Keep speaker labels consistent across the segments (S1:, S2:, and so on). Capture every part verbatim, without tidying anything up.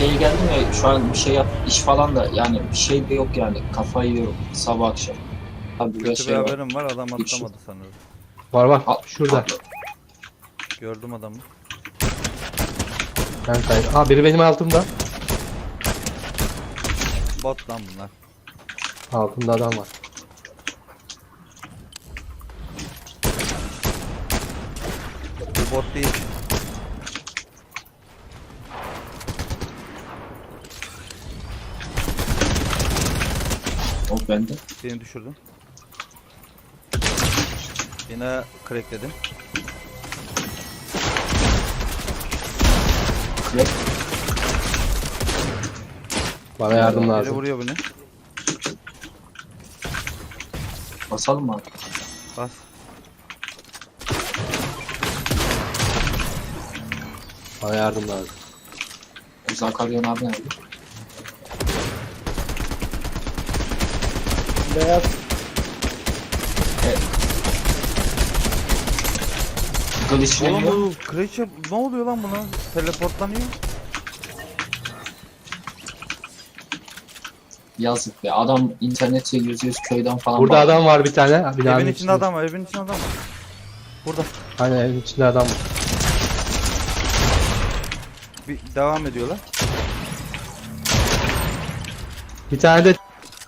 S1: şeye geldim ya şu an bir şey yap iş falan da yani bir şey de yok yani kafayı yiyorum sabah akşam. Abi bir
S2: Kötü bir
S1: şey var.
S2: haberim var, adam
S1: Üç.
S2: atlamadı sanırım.
S3: Var var.
S1: Al,
S3: Şurada.
S1: al.
S2: Gördüm adamı.
S3: Ben kay. Aa biri benim altımda.
S2: Bot lan bunlar.
S3: Altımda adam var.
S2: Bu bot değil.
S1: O bende.
S2: Seni düşürdüm. Yine crackledim.
S1: Yok.
S3: Bana yardım
S2: Biri
S3: lazım.
S2: vuruyor beni.
S1: Basalım mı abi?
S2: Bas.
S3: Bana yardım lazım.
S1: Zakaryon abi nerede?
S4: Beyaz.
S1: Evet. Glitchleniyor.
S2: Oğlum bu Creature ne oluyor lan buna? Teleportlanıyor.
S1: Yazık be. Adam internette yüz yüz köyden falan
S3: Burada
S1: bağlanıyor.
S3: adam var bir tane. Binanın
S2: Evin içinde adam var, evin içinde adam var. Burada.
S3: Hani evin içinde adam var.
S2: Bir devam ediyorlar.
S3: Bir tane de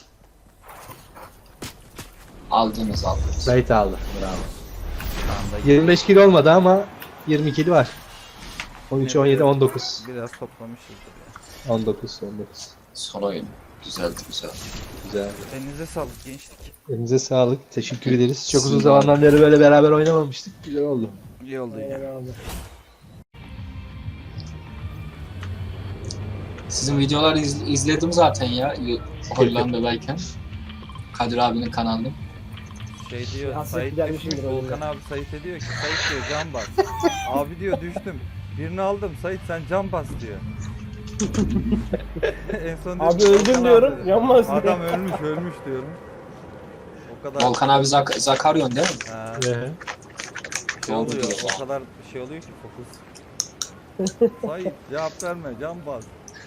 S1: Aldınız aldınız.
S3: Zayt aldı. Bravo.
S2: Şu anda
S3: yirmi beş kilo olmadı ama yirmi kilo var. on üç, on yedi, on dokuz.
S2: biraz toplamışızdır ya.
S3: on dokuz, on dokuz.
S1: Son oyun. Güzeldi güzel.
S3: Güzel.
S2: Elinize sağlık gençlik.
S3: Elinize sağlık. Teşekkür ederiz. Çok uzun
S1: Sizin
S3: zamandan beri böyle beraber oynamamıştık. Güzel oldu.
S2: İyi oldu ya.
S1: Sizin videoları iz- izledim zaten ya. y- Hollanda'dayken. Kadir abinin kanalında.
S2: Şey diyor,
S4: Hasret
S2: Sait
S4: gidermişimdir
S2: düşmüş,
S4: o
S2: Volkan
S4: yüzden.
S2: abi Sait'e diyor ki, Sait diyor can bas. Abi diyor düştüm. Birini aldım, Sait sen can bas diyor. En son diyor
S4: Abi
S2: ki,
S4: öldüm
S2: Volkan
S4: diyorum,
S2: abi-
S4: yanmaz diyor.
S2: Adam ölmüş, ölmüş diyorum. O kadar
S1: Volkan abi Zak Zakaryon değil mi?
S2: Ha,
S3: Ee,
S2: şey
S1: Oldu
S2: oluyor,
S1: diyor ya.
S2: o kadar şey oluyor ki fokus. Sait cevap verme, can bas.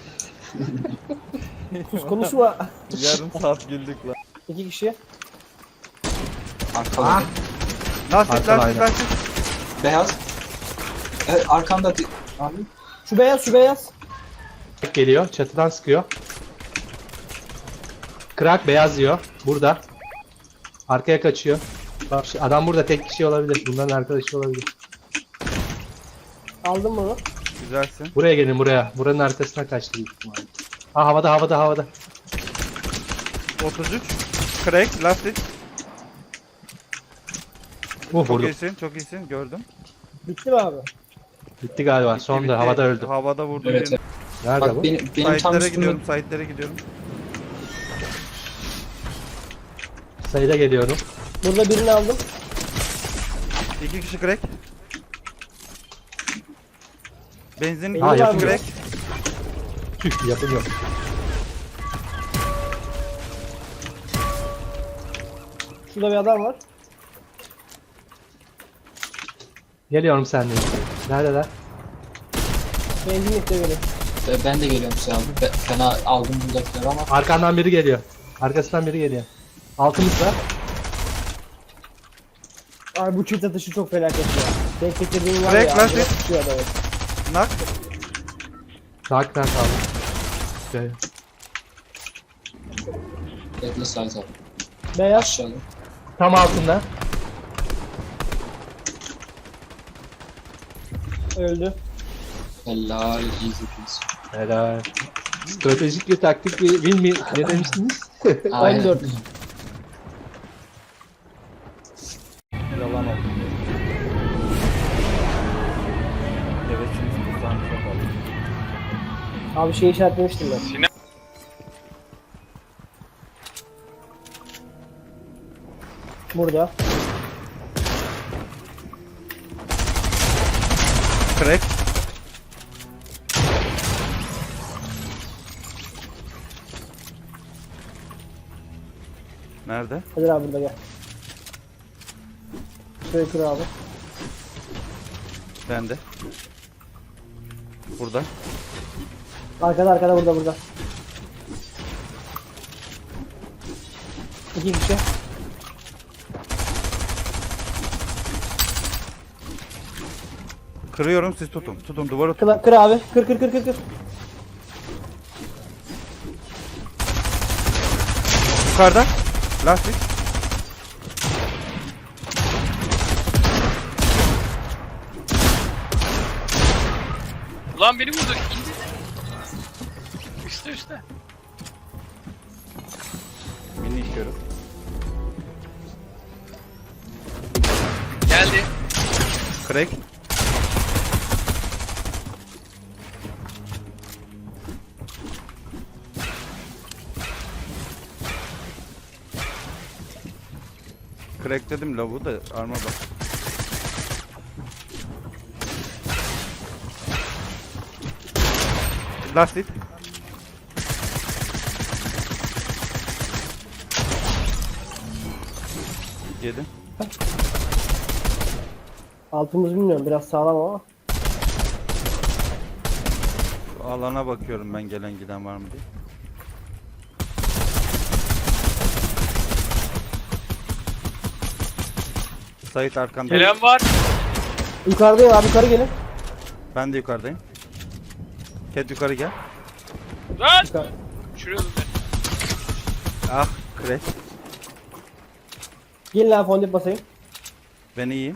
S4: Sus konuşma.
S2: Yarım saat güldük lan.
S4: İki kişi.
S1: Arkada.
S3: Ah!
S2: Lastik,
S3: Arkadan
S2: lastik,
S3: aynen.
S2: lastik.
S1: Beyaz. Evet arkanda di- abi.
S4: Şu beyaz, şu beyaz.
S3: geliyor. Çatıdan sıkıyor. Krak beyaz yiyor. Burada. Arkaya kaçıyor. Bak şu- adam burada tek kişi olabilir. Bunların arkadaşı olabilir.
S4: Aldım bunu.
S2: Güzelsin.
S3: Buraya gelin buraya. Buranın arkasına kaçtı büyük ihtimalle. Ha havada havada havada.
S2: otuz üç. Crack, lastik.
S3: Uh
S2: Çok
S3: vurdum.
S2: iyisin, çok iyisin. Gördüm.
S4: Bitti mi abi?
S3: Bitti galiba.
S2: Bitti,
S3: Sonunda
S2: bitti.
S3: havada öldü.
S2: Havada vurdu.
S1: Evet.
S2: birini.
S1: evet.
S3: Nerede
S1: Bak
S3: bu?
S1: benim, benim tam
S2: Site'lere
S1: üstüme
S2: gidiyorum, site'lere gidiyorum.
S3: Sayıda geliyorum.
S4: Burada birini aldım.
S2: İki kişi crack. Benzin
S4: Ha,
S2: iki
S3: yapım
S2: kişi
S3: yok.
S2: crack.
S3: Tüh yapım yok.
S4: Şurada bir adam var.
S3: Geliyorum seninle. Neredeler?
S4: Benzinlikte biri.
S1: Ve ben de geliyorum size abi. Be- fena aldım buradakileri ama
S3: Arkandan biri geliyor. Arkasından biri geliyor. Altımızda.
S4: Abi bu çift atışı çok felaket ya. Tek getirdiğim var
S2: Crack,
S4: ya.
S2: lastik.
S4: direkt tutuyor adamı.
S2: Nak.
S3: Dark'tan kaldı. Şöyle.
S1: bekle Sait abi.
S4: Beyaz.
S1: Aşağıda.
S3: Tam altında.
S4: Öldü.
S1: Helal easy peasy.
S3: Helal. Stratejik bir taktik bir win mi? Ne demiştiniz?
S1: Aynen.
S4: on dört.
S2: Yalan oldu. Evet şimdi tuzağını çok aldım.
S4: Abi şey işaretlemiştim ben. Burada.
S2: Crack. Nerede?
S4: Hadi abi burada gel. Şurayı kır abi.
S2: Bende. Burada.
S4: Arkada arkada burada burada. İki kişi.
S2: Kırıyorum, siz tutun. Tutun, duvarı tutun.
S4: Kır, kır abi. Kır kır kır kır kır.
S2: Yukarıda. Lastik.
S5: Ulan beni vurdu. İndi. Üstte üstte.
S2: Mini işiyorum.
S5: Geldi.
S2: Crack. Crack dedim lavu da arma bak. Lastik. Yedim.
S4: Altımız bilmiyorum biraz sağlam ama.
S2: Alana bakıyorum ben, gelen giden var mı diye. Sait arkanda.
S5: Gelen var.
S4: Yukarıdayım abi yukarı gelin.
S2: Ben de yukarıdayım. Ket yukarı gel.
S5: Lan.
S4: Yukarı.
S5: Şuraya dur.
S2: Ah, crack.
S4: Gelin abi fondip basayım.
S2: Ben iyiyim.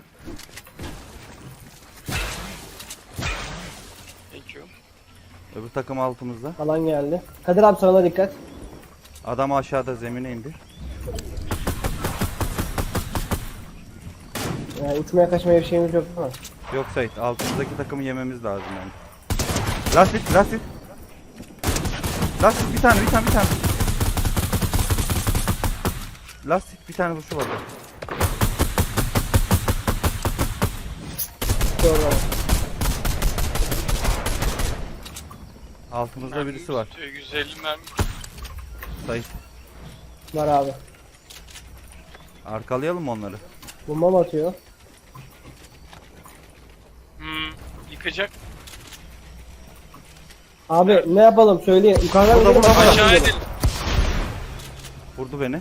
S5: Thank you.
S2: Öbür takım altımızda.
S4: Alan geldi. Kadir abi sana dikkat.
S2: Adam aşağıda zemine indi.
S4: Yani uçmaya kaçmaya bir şeyimiz yok değil mi?
S2: Yok Sait, altımızdaki takımı yememiz lazım yani. Lastik, lastik. Lastik bir tane, bir tane, bir tane. Lastik bir tane vuruşu var.
S4: Doğru.
S2: Altımızda birisi var.
S5: yüz elli mermi.
S2: Sait,
S4: Var abi.
S2: arkalayalım mı onları?
S4: Bomba mı atıyor?
S5: Hmm. Yıkacak.
S4: Abi ne yapalım söyleyin. Yukarıdan
S2: Burada,
S4: gidelim.
S2: burada,
S4: aşağı
S5: Aşağı
S4: gidelim.
S5: edelim.
S2: Vurdu beni.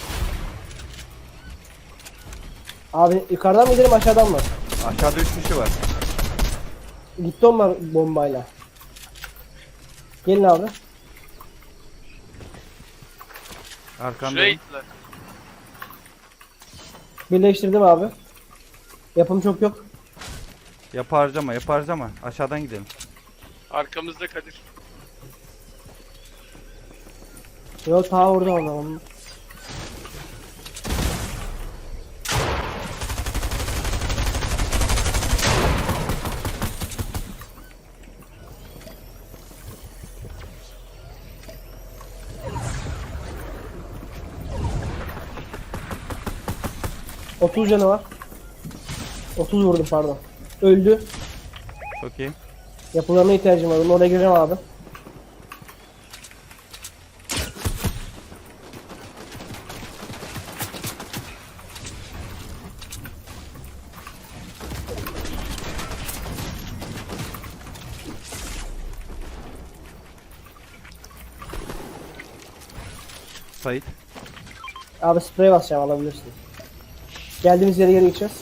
S4: Abi yukarıdan mı gidelim aşağıdan mı?
S2: Aşağıda üç kişi var.
S4: Gitti onlar bombayla. Gelin abi.
S5: Şuraya
S2: Arkandayım.
S5: gittiler.
S4: Birleştirdim abi. Yapım çok yok.
S2: Yap harcama, yap harcama. Aşağıdan gidelim.
S5: Arkamızda Kadir.
S4: Yok ta orada onlar. otuz canı var. otuz vurdum pardon. Öldü.
S2: Çok iyi.
S4: Yapılarına ihtiyacım var. Oraya gireceğim abi.
S2: Sait.
S4: Abi sprey basacağım alabilirsin. Geldiğimiz yere geri gideceğiz.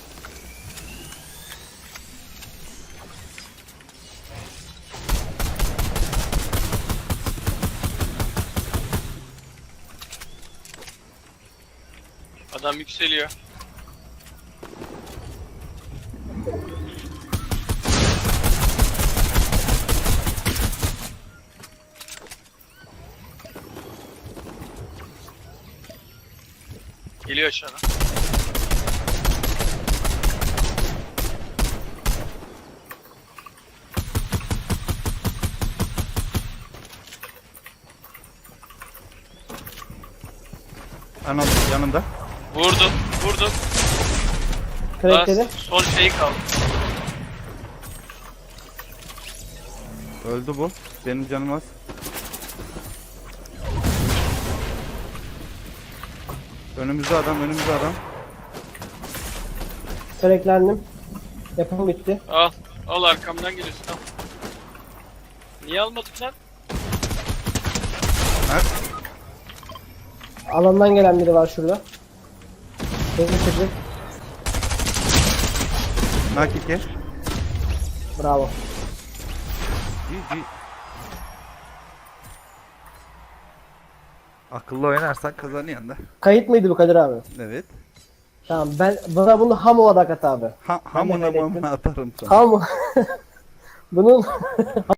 S5: Adam yükseliyor. Geliyor aşağıdan.
S2: Anam yanında.
S5: Vurdum, vurdum.
S4: Crack
S5: Daha
S4: dedi.
S5: son şey kaldı.
S2: Öldü bu. Benim canım az. Önümüzde adam, önümüzde adam.
S4: Cracklendim. Yapım bitti.
S5: Al, al arkamdan geliyorsun al. Niye almadın lan?
S4: Alandan gelen biri var şurada. Teknik çocuk.
S2: Nak iki.
S4: Bravo.
S2: G G. Akıllı oynarsan kazanıyorsun da.
S4: Kayıt mıydı bu Kadir abi?
S2: Evet.
S4: Tamam ben bana bunu ham olarak at abi.
S2: Ha,
S4: Ben de
S2: hamına
S4: kaydettim.
S2: mamına atarım sana.
S4: Ham. Bunun